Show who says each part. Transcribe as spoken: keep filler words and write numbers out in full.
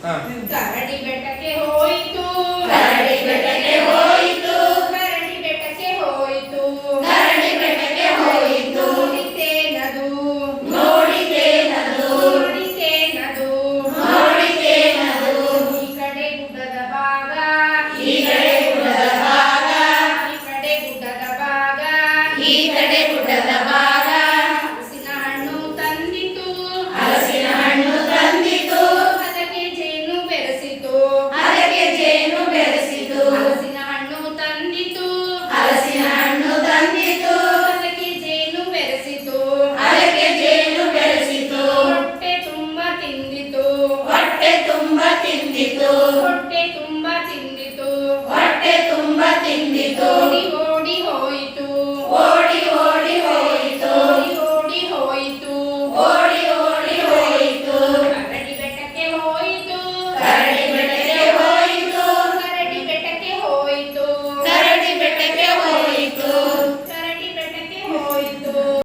Speaker 1: ಕರಡಿ ಬೆಟ್ಟಕ್ಕೆ ಹೋಯಿತು
Speaker 2: ಕರಡಿ ಬೆಟ್ಟಕ್ಕೆ ಹೋಯಿತು
Speaker 1: ಕರಡಿ ಬೆಟ್ಟಕ್ಕೆ ಹೋಯಿತು
Speaker 2: ಕರಡಿ ಬೆಟ್ಟಕ್ಕೆ ಹೋಯಿತು
Speaker 1: ನೋಡಿತೇನದು
Speaker 2: ನೋಡಿತೇನದು
Speaker 1: ನೋಡಿತೇನದು
Speaker 2: ನೋಡಿತೇನದು
Speaker 1: ಈ ಕಡೆ ಗುಡ್ಡದ ಭಾಗ
Speaker 2: ಈ ಕಡೆ ಗುಡ್ಡದ ಭಾಗ
Speaker 1: ಈ ಕಡೆ ಗುಡ್ಡದ ಭಾಗ
Speaker 2: ಈ ಕಡೆ ಗುಡ್ಡದ ಭಾಗ
Speaker 1: ಹಲಸಿನ ಹಣ್ಣು ತಂದಿತು
Speaker 2: ಹಲಸಿನ ಹಣ್ಣು ತಂದಿತು
Speaker 1: ಅದಕ್ಕೆ ಜೇನು ಬೆರೆಸಿತು
Speaker 2: ಅದಕ್ಕೆ ಜೇನು ಬೆರೆಸಿತು
Speaker 1: ಹಲಸಿನ ಹಣ್ಣು ತಂದಿತು
Speaker 2: ಹಲಸಿನ ಹಣ್ಣು ತಂದಿತು
Speaker 1: ಅದಕ್ಕೆ ಜೇನು ಬೆರೆಸಿತು
Speaker 2: ಅದಕ್ಕೆ ಜೇನು ಬೆರೆಸಿತು
Speaker 1: ಹೊಟ್ಟೆ ತುಂಬ ತಿಂದಿತು
Speaker 2: ಹೊಟ್ಟೆ ತುಂಬ ತಿಂದಿತು
Speaker 1: ಹೊಟ್ಟೆ